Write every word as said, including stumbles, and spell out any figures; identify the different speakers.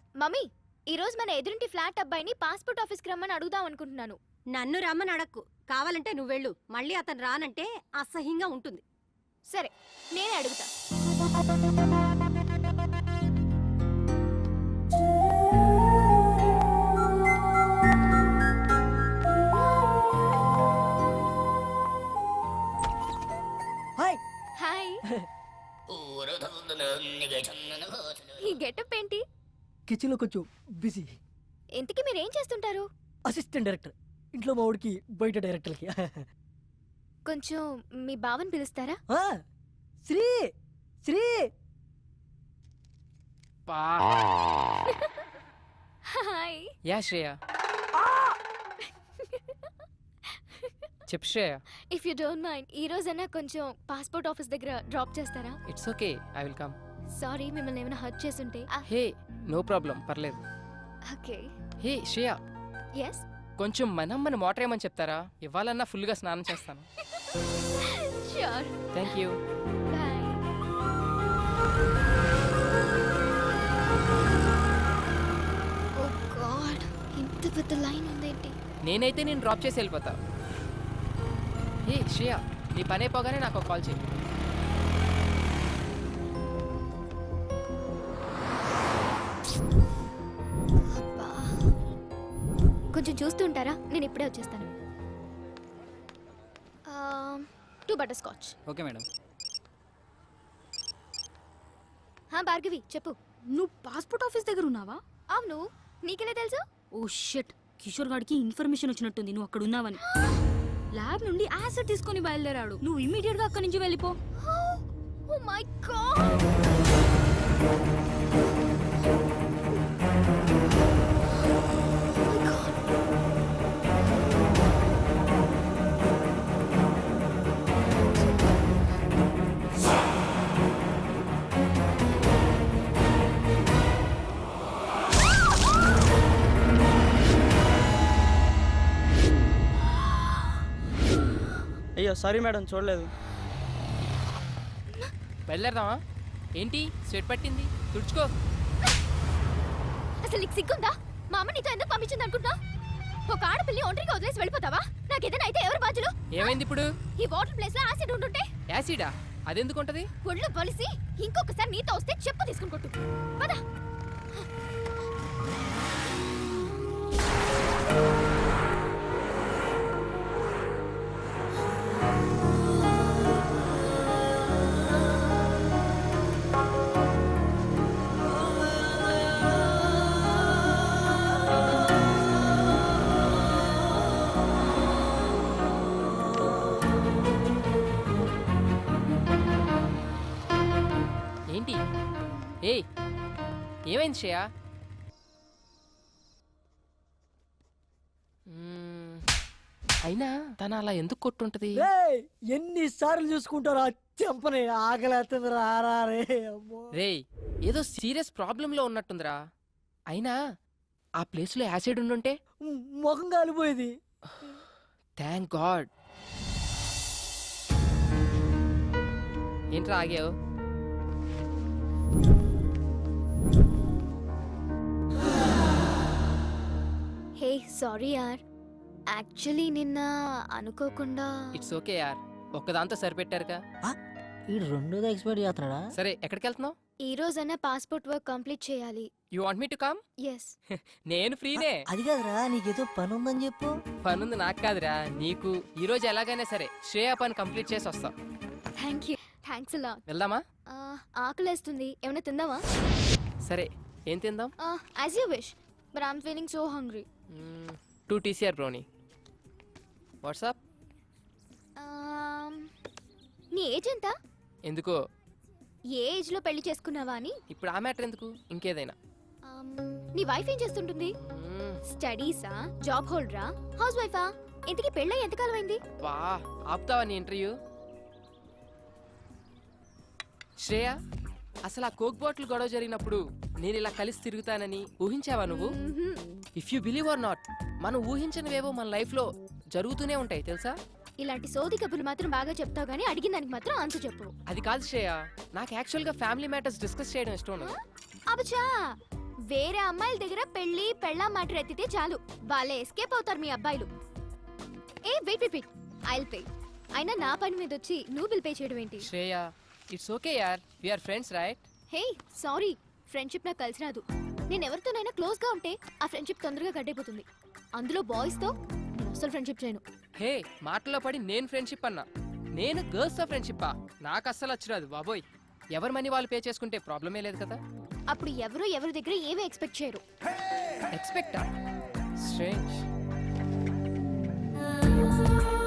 Speaker 1: Mummy, ఈ రోజు మన ఎదురింటి ఫ్లాట్ అబ్బాయిని పాస్పోర్ట్ ఆఫీస్కి రమ్మని అడుగుదాం అనుకుంటున్నాను.
Speaker 2: నన్ను రమ్మని అడక్కు, కావాలంటే నువ్వు వెళ్ళు. మళ్ళీ అతను రానంటే అసహ్యంగా ఉంటుంది.
Speaker 1: సరే, నేనే అడుగుతా.
Speaker 3: హాయ్.
Speaker 1: హాయ్. ఈ గెటప్ ఏంటి?
Speaker 3: కిచెన్లో కొంచెం బిజీ.
Speaker 1: ఇంతకీ మీరు ఏం చేస్తుంటారు?
Speaker 3: Assistant director. ఇంట్లో మా ఊడికి బయట డైరెక్టర్కి.
Speaker 1: కొంచెం మీ బావని పిలుస్తారా?
Speaker 3: శ్రీ శ్రీ
Speaker 1: హాయ్.
Speaker 4: యా శ్రేయ. చెప్పు Shreya.
Speaker 1: If you don't mind, ఈ రోజైనా కొంచెం పాస్పోర్ట్ ఆఫీస్ దగ్గర డ్రాప్ చేస్తారా?
Speaker 4: It's okay, I will come.
Speaker 1: Sorry, మిమ్మల్ని ఏమైనా హర్ట్ చేసుంటే.
Speaker 4: హే, నో ప్రాబ్లం, పర్లేదు.
Speaker 1: ఓకే.
Speaker 4: Hey Shreya,
Speaker 1: yes.
Speaker 4: కొంచెం మనమ్మని మోటర్ ఏమని చెప్తారా? ఇవ్వాలన్నా ఫుల్గా స్నానం చేస్తాను.
Speaker 1: Sure.
Speaker 4: Thank you.
Speaker 1: Bye. Oh god, ఇంత పెద్ద లైన్ ఉందేంటి?
Speaker 4: నేనైతే నేను డ్రాప్ చేసి వెళ్ళిపోతా. హే శ్రేయ, నీ పని అయిపోగానే నాకు ఒక కాల్ చేయి.
Speaker 1: కొంచెం చూస్తూ ఉంటారా? నేను ఇప్పుడే వచ్చేస్తాను. Two butterscotch.
Speaker 5: Okay madam.
Speaker 1: హా భార్గవి, చెప్పు.
Speaker 2: నువ్వు పాస్పోర్ట్ ఆఫీస్ దగ్గర ఉన్నావా?
Speaker 1: అవును, నీకెలా తెలుసు?
Speaker 2: ఓ షిట్, కిషోర్ గాడికి ఇన్ఫర్మేషన్ వచ్చినట్టుంది నువ్వు అక్కడ ఉన్నావని. ల్యాబ్ నుండి యాసిడ్ తీసుకొని బయలుదేరాడు. నువ్వు ఇమ్మీడియట్ గా అక్కడి నుంచి వెళ్ళిపో.
Speaker 1: Oh my god.
Speaker 5: అయ్యో సారీ మేడం, చూడలేదు.
Speaker 4: బయలుదేరదామా? ఏంటి స్వెట్ పట్టింది? తుడుచుకో.
Speaker 1: అసలు నీకు సిగ్గుందా? మా అమ్మ నీతో ఎందుకు పంపించింది అనుకుంటా? ఒక ఆడపిల్లి ఒంటరిగా వదిలేసి వెళ్ళిపోతావా? నాకు ఏదైనా అయితే ఎవరు బాధ్యులు?
Speaker 4: ఏమైంది ఇప్పుడు?
Speaker 1: ఈ వాటర్ ప్లేస్ లో యాసిడ్ ఉంటుంటే.
Speaker 4: యాసిడా? అదెందుకు ఉంటది?
Speaker 1: ఒళ్ళు పొలిసి ఇంకొకసారి నీతో వస్తే చెప్పు తీసుకుని కొట్టు. పద.
Speaker 4: ఏంటి? ఏయ్, ఏమైంది శ్రేయ? మ్మ్, అయినా తన అలా ఎందుకు కొట్టుంటది?
Speaker 3: ఎన్నిసార్లు చూసుకుంటారా చెంపని? ఆకలేస్తుంది రారా రే.
Speaker 4: రేయ్, ఏదో సీరియస్ ప్రాబ్లం లో ఉన్నట్టుందిరా. అయినా ఆ ప్లేస్ లో యాసిడ్ ఉండుంటే
Speaker 3: ముఖం కాలిపోయేది.
Speaker 4: Thank God. ఏంట్రా ఆగావు?
Speaker 1: హే సారీ యార్, యాక్చువల్లీ నిన్న అనుకోకుండా.
Speaker 4: ఇట్స్ ఓకే యార్, ఒక్కదాంతో సరిపెట్టారుగా.
Speaker 3: ఈ రెండోది ఎక్స్పైర్ చేస్తున్నాడా?
Speaker 4: సరే, ఎక్కడికి వెళ్తున్నావు?
Speaker 1: ఈ రోజైనా పాస్పోర్ట్ వర్క్ కంప్లీట్ చేయాలి.
Speaker 4: You want me to come?
Speaker 1: Yes.
Speaker 4: నేను ఫ్రీనే.
Speaker 3: అది కాదురా, నీకేదో పని ఉందని చెప్పు.
Speaker 4: పనుంది నాకు కాదురా, నీకు. ఈ రోజు ఎలాగైనా సరే శ్రేయ పని కంప్లీట్ చేసి వస్తాం.
Speaker 1: Thank you. థ్యాంక్స్ అలా.
Speaker 4: వెళ్దామా?
Speaker 1: ఆకలేస్తుంది, ఏమైనా తిందామా?
Speaker 4: సరే, ఏం తిందాం?
Speaker 1: As you wish, but I'm feeling so hungry.
Speaker 4: Two TCR brownie. What's up.
Speaker 1: నీ ఏజ్ ఎంత?
Speaker 4: ఎందుకో?
Speaker 1: ఏ ఏజ్ లో పెళ్లి చేసుకున్నావా అని.
Speaker 4: ఇప్పుడు ఆ మ్యాటర్ ఎందుకు, ఇంకేదైనా.
Speaker 1: నీ వైఫ్ ఏం చేస్తుంటుంది?
Speaker 4: మ్మ్,
Speaker 1: స్టడీసా, జాబ్ హోల్డరా, హౌస్ వైఫా? ఇంతకీ పెళ్ళై ఎంతకాలం అయింది?
Speaker 4: వా, ఆపుతావా నీ ఇంటర్వ్యూ? శ్రేయ, అసలు ఆ కోక్ బాటిల్ గొడవ జరిగినప్పుడు నేను ఇలా కలిసి తిరుగుతానని ఊహించావా నువ్వు? If you believe or not, మనం ఊహించనివేవో మన లైఫ్ లో జరుగుతూనే ఉంటాయి తెలుసా?
Speaker 1: ఇలాంటి సోది కబుర్లు మాత్రం బాగా చెప్తావు గానీ అడిగిన దానికి మాత్రం ఆన్సర్ చెప్పు.
Speaker 4: అది కాదు శ్రేయ, నాకు యాక్చువల్ గా ఫ్యామిలీ మ్యాటర్స్ డిస్కస్ చేయడం ఇష్టం ఉండదు.
Speaker 1: అబచా, వేరే అమ్మాయిల దగ్గర పెళ్లి పెళ్ళా మాట ఎత్తితే చాలు వాళ్ళే ఎస్కేప్ అవుతారు మీ అబ్బాయిలు. Hey wait wait wait I'll pay. అయినా నా పని మీద వచ్చి నువ్వు బిల్ పే చేయడం ఏంటి?
Speaker 4: శ్రేయ ఇట్స్ ఓకే యార్, we are friends right?
Speaker 1: Hey sorry, friendship నాకు కలిసి రాదు. నేను ఎవరితోనైనా క్లోజ్ గా ఉంటే ఆ ఫ్రెండ్షిప్ తొందరగా గడ్డైపోతుంది. అందులో బాయ్స్ తో నేను అసలు ఫ్రెండ్షిప్ చేయను.
Speaker 4: హే మాటలో పడి నేను ఫ్రెండ్షిప్ అన్నా, నేను గర్ల్స్ తో ఫ్రెండ్షిప్పా? నాకు అస్సలు వచ్చిరాదు బాబోయ్. ఎవరి మనీ వాళ్ళు పే చేసుకుంటే ప్రాబ్లమే లేదు కదా.
Speaker 1: అప్పుడు ఎవరు ఎవరి దగ్గర ఏమీ ఎక్స్పెక్ట్ చేయరు.
Speaker 4: ఎక్స్పెక్టా? స్ట్రేంజ్.